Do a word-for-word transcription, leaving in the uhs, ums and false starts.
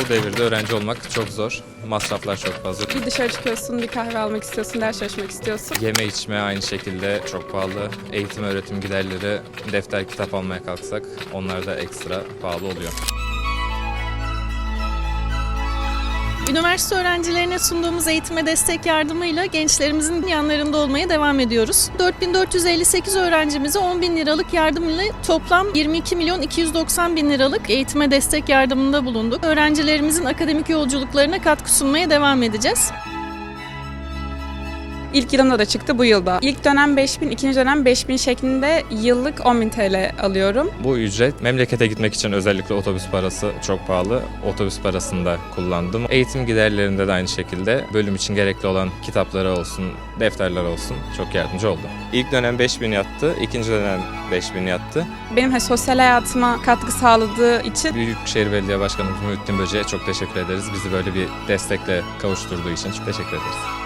Bu devirde öğrenci olmak çok zor. Masraflar çok fazla. Bir dışarı çıkıyorsun, bir kahve almak istiyorsun, ders çalışmak istiyorsun. Yeme içme aynı şekilde çok pahalı. Eğitim öğretim giderleri, defter kitap almaya kalksak onlar da ekstra pahalı oluyor. Üniversite öğrencilerine sunduğumuz eğitime destek yardımıyla gençlerimizin yanlarında olmaya devam ediyoruz. dört bin dört yüz elli sekiz öğrencimize on bin liralık yardım ile toplam yirmi iki milyon iki yüz doksan bin liralık eğitime destek yardımında bulunduk. Öğrencilerimizin akademik yolculuklarına katkı sunmaya devam edeceğiz. İlk yılımda da çıktı, bu yılda. İlk dönem beş bin, ikinci dönem beş bin şeklinde yıllık on bin T L alıyorum. Bu ücret memlekete gitmek için özellikle otobüs parası çok pahalı. Otobüs parasını da kullandım. Eğitim giderlerinde de aynı şekilde bölüm için gerekli olan kitapları olsun, defterler olsun çok yardımcı oldu. İlk dönem beş bin yattı, ikinci dönem beş bin yattı. Benim hani sosyal hayatıma katkı sağladığı için Büyükşehir Belediye Başkanımız Muhittin Böce'ye çok teşekkür ederiz. Bizi böyle bir destekle kavuşturduğu için çok teşekkür ederiz.